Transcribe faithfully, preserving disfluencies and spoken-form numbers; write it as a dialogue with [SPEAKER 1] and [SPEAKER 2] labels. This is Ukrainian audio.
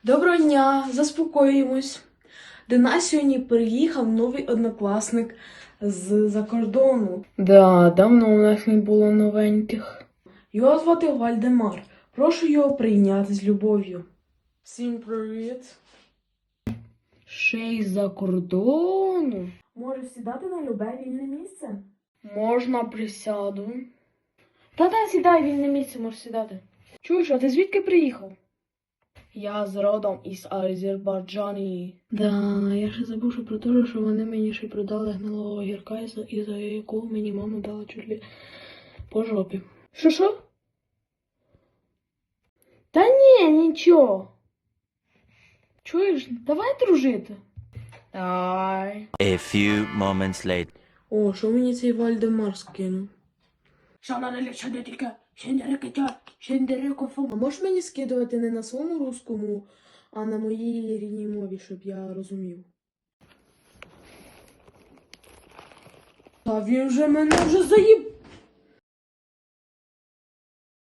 [SPEAKER 1] Доброго дня, заспокоїмось. До нас сьогодні приїхав новий однокласник з-за кордону.
[SPEAKER 2] Да, давно у нас не було новеньких.
[SPEAKER 1] Його звати Вальдемар. Прошу його прийняти з любов'ю. Всім привіт.
[SPEAKER 2] Ще й за кордону.
[SPEAKER 1] Можеш сідати на любе вільне місце?
[SPEAKER 2] Можна присяду.
[SPEAKER 1] Та-та, сідай, вільне місце, можеш сідати. Чуєш, а ти звідки приїхав?
[SPEAKER 2] Я з родом із Азербайджані.
[SPEAKER 1] Да, я ще забувши про те, що вони мені ще продали гнилого огірка, і за, і за якого мені мама дала чуть ли по жопі. Що що? Та ні, нічого. Чуєш, давай дружити.
[SPEAKER 2] Ай.
[SPEAKER 3] A few moments later.
[SPEAKER 1] О, що мені цей Вальдемар скинув? А можеш мені скидувати не на своєму русскому, а на моїй рідній мові, щоб я розумів? Та він же мене вже заїб...